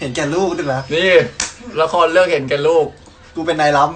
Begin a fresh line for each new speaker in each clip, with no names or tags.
เห็นแก่ลูกด้วยนะ
นี่ละครเรื่องเห็นแก่ลูก
กูเป็นนายล้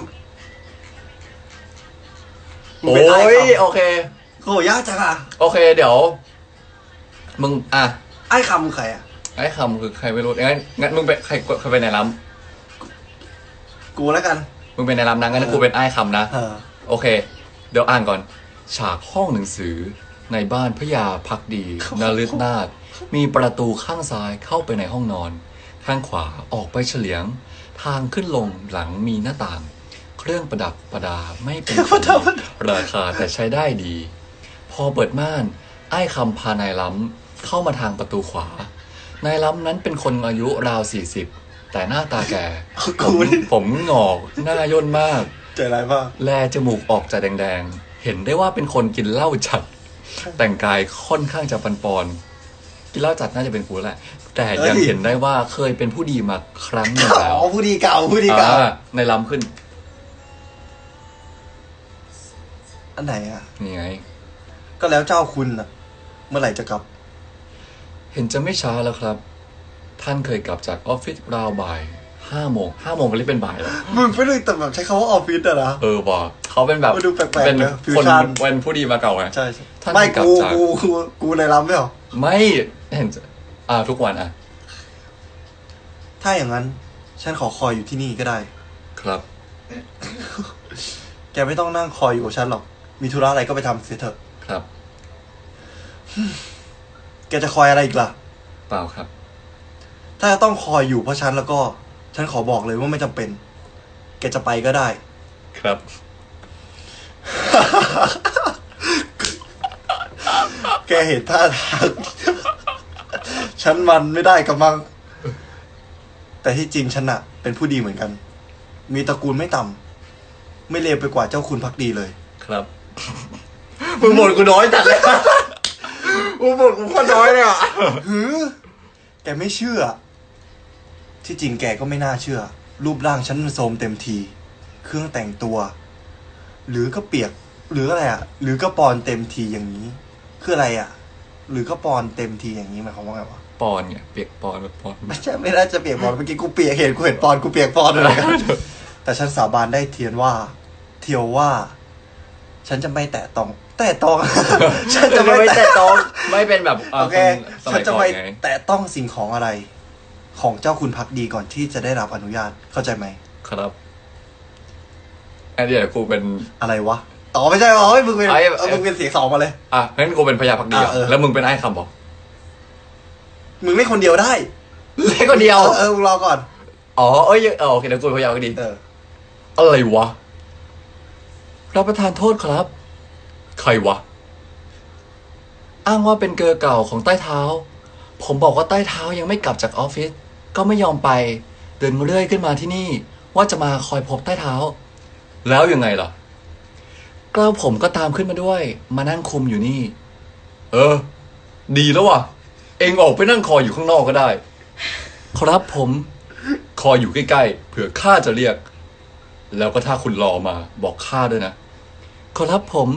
ำโอ้ยโอเค
โหยากจังอ่ะ
โอเคเดี๋ยวมึง
ไอ้คำใครอ่ะ
ไอ้คำคือใครไม่รู้งั้นมึงเป็นใครเป็นนายล้
ำกูแล้วกัน
มึงเป็นนายล้ำนะงั้นกูเป็นไอ้คำนะโอเคเดี๋ยวอ่านก่อนฉากห้องหนังสือในบ้านพระยาพักดีนฤทนาถมีประตูข้างซ้ายเข้าไปในห้องนอนข้างขวาออกไปเฉลียงทางขึ้นลงหลังมีหน้าต่างเครื่องประดับประดาไม่เป็นราคาแต่ใช้ได้ดีพอเปิดม่านไอ้คำพานายล้ำเข้ามาทางประตูขวานายล้ำนั้นเป็นคนอายุราว40แต่หน้าตาแก่ผมงอกหน้าย่นมาก
ใจร้ายมาก
แลจมูกออกจะแดงๆเห็นได้ว่าเป็นคนกินเหล้าจัดแต่งกายค่อนข้างจะปอนกินเหล้าจัดน่าจะเป็นกูแหละแต่ยังเห็นได้ว่าเคยเป็นผู้ดีมาครั้งหนึ่งแล้ว
ผู้ดีเก่า
ในล้ำขึ้น
อันไหนอ่ะ
นี่ไง
ก็แล้วเจ้าคุณน่ะเมื่อไหร่จะกลับ
เห็นจะไม่ช้าแล้วครับท่านเคยกลับจากออฟฟิศราวบ่าย5 โมงก็เรียกเป็นบ่ายแล้ว
มึงไม่ได้แต่แบบใช้คำว่าออฟฟิศอะนะ
บอกเขาเป็นแบบ
ดูแปลกๆ
เป็นคนเป็นผู้ดีมาเก่าไง
ใช่ไม่กูในล้ำไม่หรอ
ไม่เห็นทุกวัน
ถ้าอย่างนั้นฉันขอคอยอยู่ที่นี่ก็ได้
ครับ
แกไม่ต้องนั่งคอยอยู่กับฉันหรอกมีธุระอะไรก็ไปทำเสียเถอะ
ครับ
แกจะคอยอะไรอีกล่ะ
เปล่าครับ
ถ้าจะต้องคอยอยู่เพราะฉันแล้วก็ฉันขอบอกเลยว่าไม่จำเป็นแกจะไปก็ได้
ครับ
แกเห็นท่าทางฉันมันไม่ได้กับมังแต่ที่จริงฉันอะเป็นผู้ดีเหมือนกันมีตระกูลไม่ต่ำไม่เลวไปกว่าเจ้าคุณพักดีเลย
ครับมึงบ่นกูน้อยจัดเลยมึงบ่นกูก็น้อยเลยอ่ะ
แกไม่เชื่อที่จริงแกก็ไม่น่าเชื่อรูปร่างฉันมันโทรมเต็มทีเครื่องแต่งตัวหรือก็เปียกหรืออะไรอ่ะหรือก็ปอนเต็มทีอย่างนี้คืออะไรอ่ะหรือก็ปอนเต็มทีอย่างนี้หมายความว่าไงวะ
ปอนไงเปียกปอนปอน
ไม่ใช่ไม่น่าจะเปียกปอนเมื่อกี้กูเปียกเห็นปอนกูเปียกปอนอะไรกันแต่ฉันสาบานได้เทียนว่าฉันจะไม่แตะต้องฉันจะไม่แตะต้อง
ไม่เป็นแบบ
โอเคฉันจะไม่แตะต้องสิ่งของอะไรของเจ้าคุณพักดีก่อนที่จะได้รับอนุญาตเข้าใจไหม
ครับอันนี้กูเป็น
อะไรวะไม่ใช่เฮ้ยมึงเป็นเสียงสองมาเลย
งั้นกูเป็นพญาพักดีแล้วมึงเป็นไอ้คำบอก
มึงเล่นคนเดียวได้
เล่นคนเดียว
มึงรอก่อน
โอเคเดี๋ยวกูพญาพักดีอะไรวะรับประทานโทษครับใครวะอ้างว่าเป็นเกอร์เก่าของใต้เท้าผมบอกว่าใต้เท้ายังไม่กลับจากออฟฟิศก็ไม่ยอมไปเดินเรื่อยขึ้นมาที่นี่ว่าจะมาคอยพบใต้เท้าแล้วยังไงล่ะก็ผมก็ตามขึ้นมาด้วยมานั่งคุมอยู่นี่ดีแล้วว่ะเองออกไปนั่งคอยอยู่ข้างนอกก็ได้ครับผมคอยอยู่ใกล้ๆเผื่อข้าจะเรียกแล้วก็ถ้าคุณรอมาบอกข้าด้วยนะขอรับผม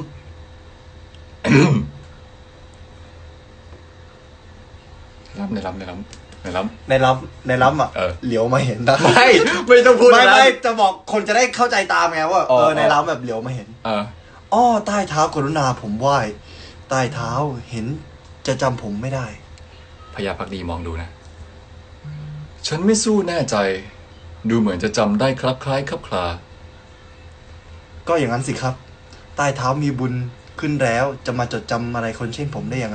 ในล้ำ
อ่ะเหลียวมาเห็นนะ
ไม่ต้องพูด
ไม่จะบอกคนจะได้เข้าใจตามไงว่าในล้ำแบบเหลียวมาเห็นใต้เท้ากรุณาผมไหว้ใต้เท้าเห็นจะจำผมไม่ได้
พญาพักดีมองดูนะฉันไม่สู้แน่ใจดูเหมือนจะจำได้คลับคล้ายคลับคลา
ก็อย่างนั้นสิครับใต้เท้ามีบุญขึ้นแล้วจะมาจดจำอะไรคนเช่นผมได้ยังไง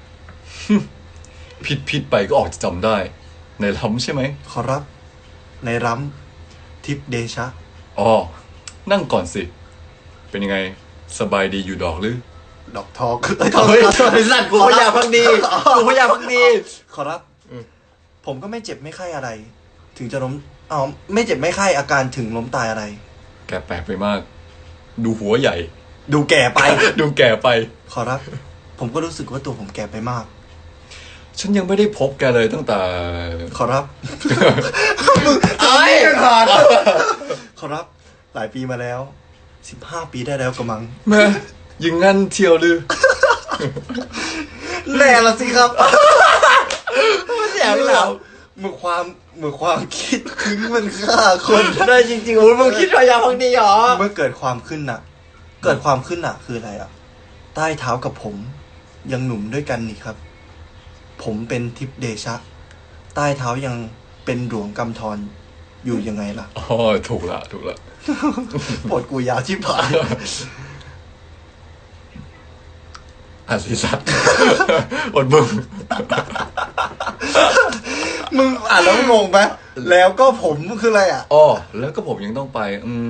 ผิดไปก็ออกจะจำได้ในล้ำใช่ไหม
ขอรับในล้ำทิพเดชะ
นั่งก่อนสิเป็นยังไงสบายดีอยู่ดอกหรือ
ดอกทอง
สั่นกูพญาพักดี
ขอรับผมก็ไม่เจ็บไม่ไข้อะไรถึงจะล้มไม่เจ็บไม่ไข้อาการถึงล้มตายอะไร
แกแปลกไปมากดูหัวใหญ่
ดูแก่ไปขอรับผมก็รู้สึกว่าตัวผมแก่ไปมาก
ฉันยังไม่ได้พบแกเลยตั้งแต่
ขอรับมึงขอรับหลายปีมาแล้ว15 ปีได้แล้วกระมัง
แม่ยิงงั้นเที่ยวลือ
แน่ละสิครับ
เสียงเรา
เมื่อความคิดถึงมันฆ่าคน
ได้จริงๆโอ้ยมึงคิดพยาพักดีเหรอ
เมื่อเกิดความขึ้นน่ะ เกิดความขึ้นน่ะ คืออะไรอ่ะ ใต้เท้ากับผมยังหนุ่มด้วยกันนี่ครับ ผมเป็นทิพย์เดชะ ใต้เท้ายังเป็นหลวงกำธรอยู่ยังไงล่ะ
อ๋อถูกละ
ปวดกูยาวชิบหาย
อ่ะสิสัตว์ อดมึง
มึงอ่านแล้วงงไหมแล้วก็ผมคืออะไรอ่ะ
อ๋อแล้วก็ผมยังต้องไป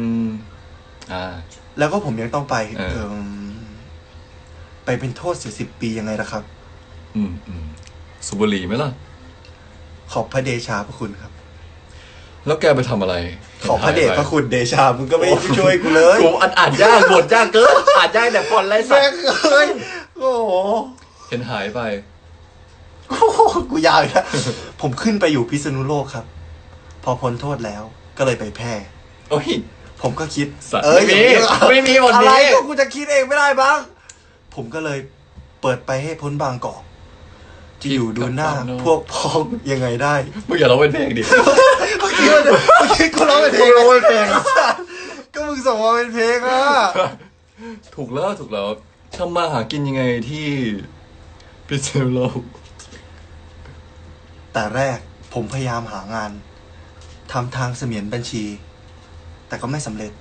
แล้วก็ผมยังต้องไป
เออ
ไปเป็นโทษ40 ปียังไงล่ะครับ
สุบุหรีไหมล่ะ
ขอบพระเดชาพระคุณครับ
แล้วแกไปทำอะไร
ขอบพระเดชพระคุณเดชา มึงก็ไม่ช่วยกูเลย
กูอ่านยากบทยากเกินอ่านยากแต่ฟอนต์ไรสั
แม่
ต
ง
ว์
เอ้ยโอ้โห
เห็นหายไป
โอ้โหกูยาวอีกแล้ว ผมขึ้นไปอยู่พิษณุโลกครับ พอพ้นโทษแล้วก็เลยไปแพร่
โอ้ย
ผมก็คิด
สัตว์
อย่างนี้
ไม่มีบทนี้
อะไรก็กูจะคิดเองไม่ได้บ้าง ผมก็เลยเปิดไปให้พ้นบางกอกจะอยู่ดูหน้าพวกพ้องยังไงได้
มึงอย่าร้องเป็นเพลงดิ
เมื่อกี้กูร้องเป็นเพลงก็มึงส่งมาเป็นเพลงอ่ะ
ถูกแล้วทำมาหากินยังไงที่พิษณุโลก
แต่แรกผมพยายามหางานทำทางเสมียนบัญชี แต่ก็ไม่สำเร็จ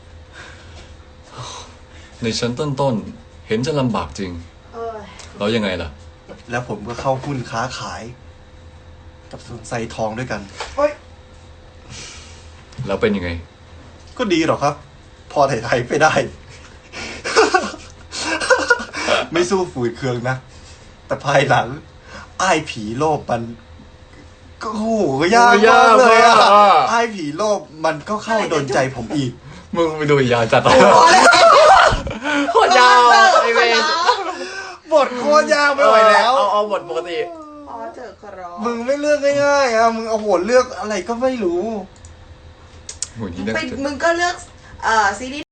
ในชั้นต้นๆ เห็นจะลำบากจริง แล้วยังไงล่ะ
แล้วผมก็เข้าหุ้นค้าขาย กับสวนไซทองด้วยกัน
แล้วเป็นยังไง
ก็ดีหรอกครับ พอไถ่ๆไปได้ ไม่สู้ฝืดเคืองนะ แต่ภายหลังอ้ายผีโลภมัน ก็โหยากมากเลยอ่ะ
ยากมาก
อ้ายผีโลภมันก็เข้าโดนใจผมอีก
มึงไปดูยาวจัดโคตรยาวไอเวน
บทโคตรยากไม่ไหวแล้ว
เอาบทปกติ
พอเจอครอ
มึงไม่เลือกง่ายๆอ่ะ มึงเอาโหเลือกอะไรก็ไม่รู้
โหนี่น่า
ไป
จะ
มึงก็เลือกซีรีส์